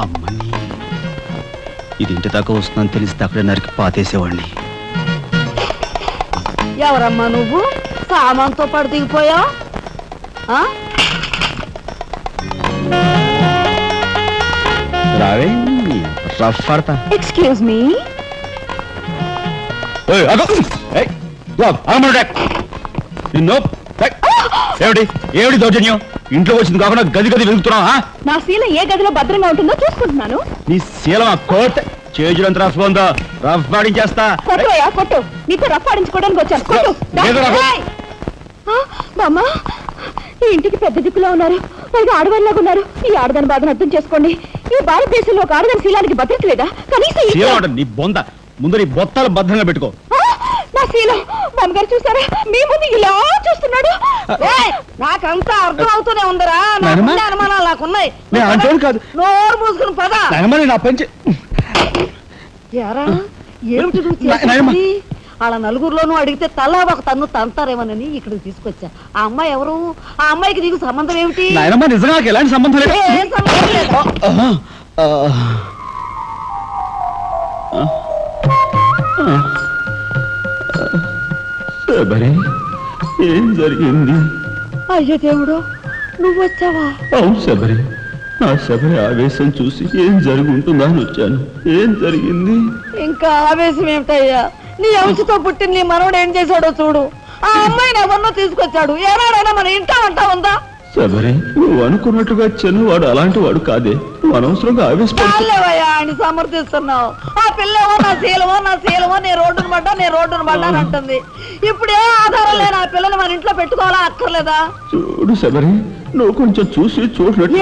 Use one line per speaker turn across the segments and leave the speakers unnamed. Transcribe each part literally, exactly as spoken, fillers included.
అమ్మని ఇది ఇంటి దాకా వస్తుందని తెలిస్తే అక్కడే నరికి పాతేసేవాడిని.
ఎవరమ్మా నువ్వు? సామాన్తో పాటు దిగిపోయా?
రావే రఫ్ పడతా.
Excuse me.
ఏమిటి ఏమిటి దౌర్జన్యం? ఇంట్లో వచ్చింది కాకుండా గది గది వెతుకుతున్నావా?
నా శీల ఏ గదిలో భద్రంగా ఉంటుందో చూసుకుంటున్నాను.
నీ శీలం ఆ కోట్ చేజులంత రఫ్ ఉందో రఫ్ పాడించేస్తా.
కొట్టుయా కొట్టు, నీతో రఫ్ పాడించుకోవడానికి వచ్చాను. కొట్టు. బామ్మ, ఈ ఇంటికి పెద్ద దిక్కులో ఉన్నారు, పైగా ఆడవాళ్ళలాగా ఉన్నారు. ఈ ఆడదాని బాధను అర్థం చేసుకోండి. ఈ భారతదేశంలో ఒక ఆడదాని శీలానికి భద్రత లేదా? కనీసం
నీ బొంద ముందు నీ బొత్తాలు భద్రంగా పెట్టుకో.
నా శీలం బామ్మగారు చూసారా? మీ ముందు ఇలా చూస్తున్నాడు. నాకంతా అర్థం అవుతూనే ఉందరా. అనుమానాలు నాకున్నాయి. నోరు మూసుకుని పద.
నా పంచి
ఏమిటి వాళ్ళ నలుగురులోనూ అడిగితే తలా ఒక తన్ను తంతారేమోనని ఇక్కడికి తీసుకొచ్చా. ఆ అమ్మాయి ఎవరు? ఆ అమ్మాయికి నీకు సంబంధం ఏమిటి?
నిజంగా ఎలాంటి సంబంధం లేదు.
ఏం సంబంధం లేదు.
ఏం జరిగింది?
అయ్యో దేవుడు, నువ్వు వచ్చావా?
అవును శబరి, నా శబరి ఆవేశం చూసి ఏం జరుగుతుందా అని వచ్చాను. ఏం జరిగింది?
ఇంకా ఆవేశం ఏమిటయ్యా? నీ అంశతో పుట్టిన నీ మనవడు ఏం చేశాడో చూడు. ఆ అమ్మాయిని ఎవరినో తీసుకొచ్చాడు. ఏనాడైనా మన ఇంటా అంటా ఉందా?
శబరి, నువ్వు అనుకున్నట్టుగా చిన్నవాడు అలాంటి వాడు కాదే. నువ్వు అనవసరంగా
ఆవేశపడలేవయ్యా అని సమర్థిస్తున్నావు. ఆ పిల్లేమో నా శీలమో నా శీలమో నీ రోడ్డును పడ్డా నీ రోడ్డును పడ్డా అని అంటుంది. ఇప్పుడే ఆధారం లేని ఆ పిల్లని మన ఇంట్లో పెట్టుకోవాలా అక్కర్లేదా?
చూడు శబరి, నువ్వు కొంచెం చూసి చూసినట్టు.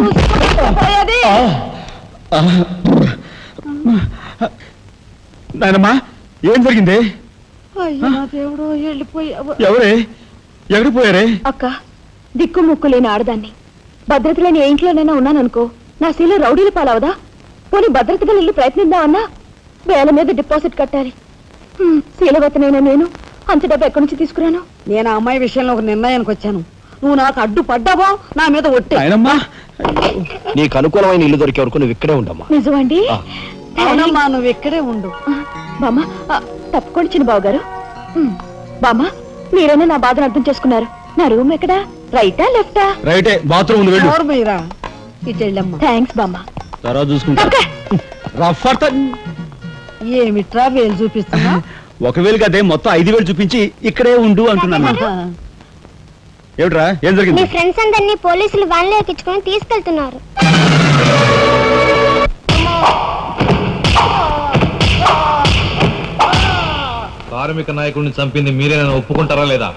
నాయనమ్మా, ఏం జరిగింది?
దేవుడు, వెళ్ళిపోయావు.
ఎవరే ఎక్కడికి పోయారే?
అక్క, దిక్కు ముక్కు లేని ఆడదాన్ని. భద్రత లేని ఏ ఇంట్లోనైనా ఉన్నాననుకో, నా శీల రౌడీలు పాలవదా? పోనీ భద్రతగా ఇల్లు ప్రయత్నిద్దామన్నా వేల మీద డిపాజిట్ కట్టాలి. శీలవతనైనా నేను అంత డబ్బు ఎక్కడి నుంచి తీసుకురాను? నేను ఆ అమ్మాయి విషయంలో ఒక నిర్ణయానికి వచ్చాను. నువ్వు నాకు అడ్డు పడ్డావో నా మీద ఒట్టి.
నీకు అనుకూలమైన ఇల్లు దొరికే వరకు నువ్వు ఇక్కడే ఉండమ్మా.
నిజమండి? అవునమ్మా, నువ్వు ఇక్కడే ఉండు. బామ్మ, తప్పుకోండి చిన్న బాబు గారు. బామ్మ, మీరైనా నా బాధను అర్థం చేసుకున్నారు. నా రూమ్ ఎక్కడా? రైటా లెఫ్టా?
రైటే, బాత్రూమ్ ఉంది.
ఇటు వెళ్ళమ్మా. థ్యాంక్స్ బామ్మ.
తర్వాత చూసుకుంటా.
ఏమిట్రా వేలు చూపిస్తున్నా?
ఒకవేళ కదే మొత్తం ఐదు వేలు చూపించి ఇక్కడే ఉండు అంటున్నాను. ఏమిట్రా, ఏం జరిగింది?
మీ ఫ్రెండ్స్ అందరినీ పోలీసులు వ్యాన్లో ఎక్కించుకొని తీసుకెళ్తున్నారు.
కార్మిక నాయకుడిని చంపింది మీరేనా ఒప్పుకుంటారా లేదా?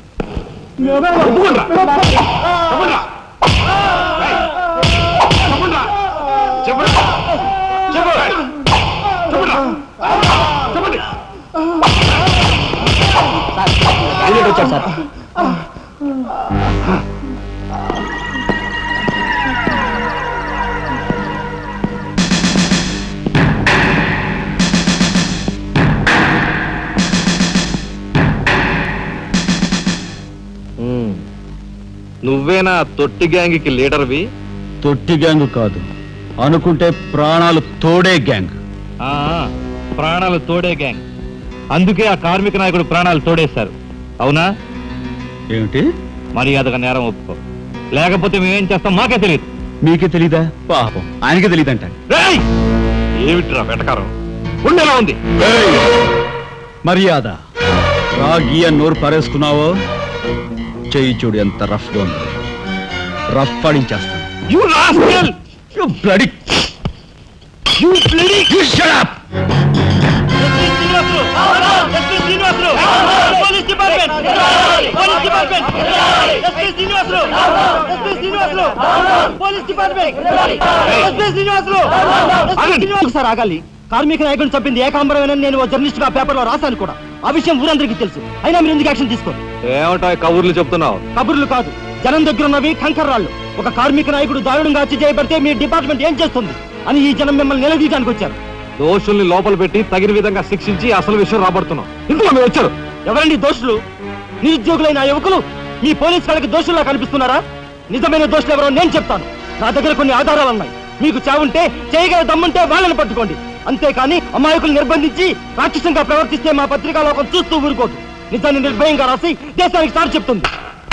సార్,
నువ్వేనా తొట్టి గ్యాంగ్కి లీడర్వి?
తొట్టి గ్యాంగ్ కాదు, అనుకుంటే ప్రాణాలు తోడే గ్యాంగ్.
ప్రాణాలు తోడే గ్యాంగ్. అందుకే ఆ కార్మిక నాయకుడు ప్రాణాలు తోడేశారు. అవునా?
ఏమిటి?
మర్యాదగా నేరం ఒప్పుకో, లేకపోతే మేమేం చేస్తాం మాకే తెలియదు.
మీకే తెలీదా? పాపం ఆయనకే తెలియదంట.
ఏమిట్రా వెటకారం? ఉండేలా ఉంది.
మర్యాద రాగి అని నోరు పారేసుకున్నావో చెయ్యి చూడు ఎంత రఫ్ గా ఉంది. రఫ్ పాడించేస్తాను.
సార్ ఆగాలి. కార్మిక నాయకుడిని చంపింది ఏకాంబరమేనని నేను జర్నలిస్ట్ గా పేపర్ లో రాశాను కూడా. ఆ విషయం ఊరందరికీ తెలుసు. అయినా మీరు ఎందుకు యాక్షన్ తీసుకోండి?
ఏమంటా కబుర్లు చెప్తున్నావు?
కబుర్లు కాదు, జనం దగ్గర ఉన్నవి కంకర్రాళ్ళు. ఒక కార్మిక నాయకుడు దారుణంగా హత్య చేయబడితే మీ డిపార్ట్మెంట్ ఏం చేస్తుంది అని ఈ జనం మిమ్మల్ని నిలదీయడానికి వచ్చారు.
దోషుల్ని లోపల పెట్టి తగిన విధంగా శిక్షించి అసలు విషయం రాబడుతున్నాం. ఇందులో మీరు వచ్చారు.
ఎవరండి దోషులు? నిరుద్యోగులైన యువకులు మీ పోలీసు వాళ్ళకి దోషుల్లా కనిపిస్తున్నారా? నిజమైన దోషులు ఎవరో నేను చెప్తాను. నా దగ్గర కొన్ని ఆధారాలు ఉన్నాయి. మీకు చావుంటే చేయగల దమ్ముంటే వాళ్ళని పట్టుకోండి, అంతేకాని అమాయకులు నిర్బంధించి రాక్షసంగా ప్రవర్తిస్తే మా పత్రికా లోకం చూస్తూ ఊరుకోదు. నిజాన్ని నిర్భయంగా రాసి దేశానికి సార్ చెప్తుంది.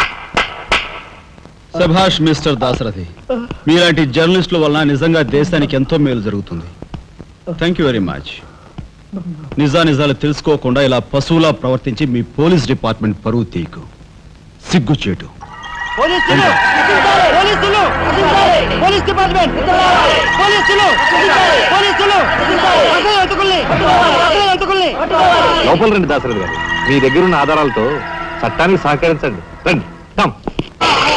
సభాష్ మిస్టర్ దాశరథి, మీలాంటి జర్నలిస్టుల వలన నిజంగా దేశానికి ఎంతో మేలు జరుగుతుంది. Thank you very much. నిజా నిజాలు తెలుసుకోకుండా ఇలా పశువులా ప్రవర్తించి మీ పోలీస్ డిపార్ట్మెంట్ పరువు తీయకు, సిగ్గుచేటు.
పోలీసులు పోలీసులు పోలీస్ డిపార్ట్మెంట్ పోలీసులు పోలీసులు అసలు ఎంతకుల్ని అసలు ఎంతకుల్ని
లోపల రండి దాసరథి గారు, మీ దగ్గర ఉన్న ఆధారాలతో చట్టానికి సహకరించండి. రండి, కమ్.